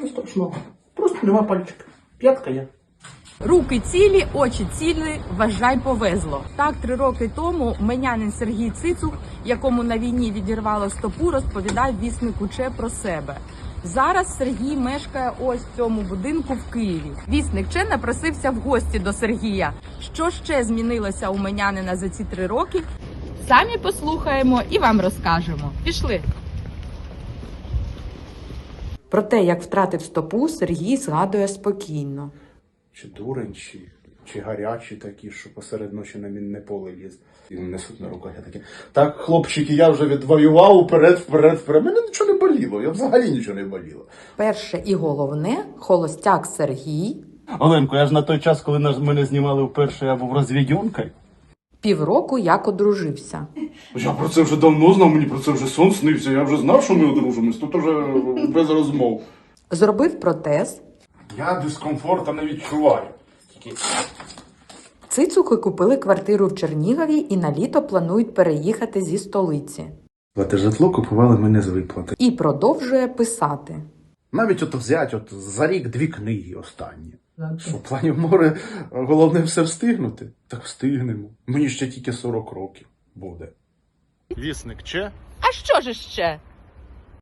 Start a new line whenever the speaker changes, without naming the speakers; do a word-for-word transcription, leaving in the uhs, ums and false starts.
Нічого страшного. Просто нема пальчика. П'ятка є.
Руки цілі, очі цілі, вважай, повезло. Так, три роки тому менянин Сергій Цицук, якому на війні відірвало стопу, розповідав віснику Че про себе. Зараз Сергій мешкає ось в цьому будинку в Києві. Вісник Че напросився в гості до Сергія. Що ще змінилося у менянина за ці три роки? Самі послухаємо і вам розкажемо. Пішли! Про те, як втратив стопу, Сергій згадує спокійно.
Чи дурень, чи, чи гарячі такі, що посеред ночі на мінне поле ліз. І несуть на руках. Я такі, так, хлопчики, я вже відвоював, вперед, вперед, вперед. Мене нічого не боліло, я взагалі нічого не боліло.
Перше і головне, холостяк Сергій
Оленко, я ж на той час, коли нас, мене знімали вперше, я був розвідьонкою.
півроку як одружився.
Я про це вже давно знав, мені про це вже сон снився. Я вже знав, що ми одружимось, тут уже без розмов.
Зробив протез.
Я дискомфорту не відчуваю. Тільки...
Цицуки купили квартиру в Чернігові і на літо планують переїхати зі столиці.
Плати житло купували мене з виплати.
І продовжує писати.
Навіть от взяти от за рік дві книги останні. Що, в плані море, головне все встигнути? Так встигнемо. Мені ще тільки сорок років буде. Вісник Че?
А що ж ще?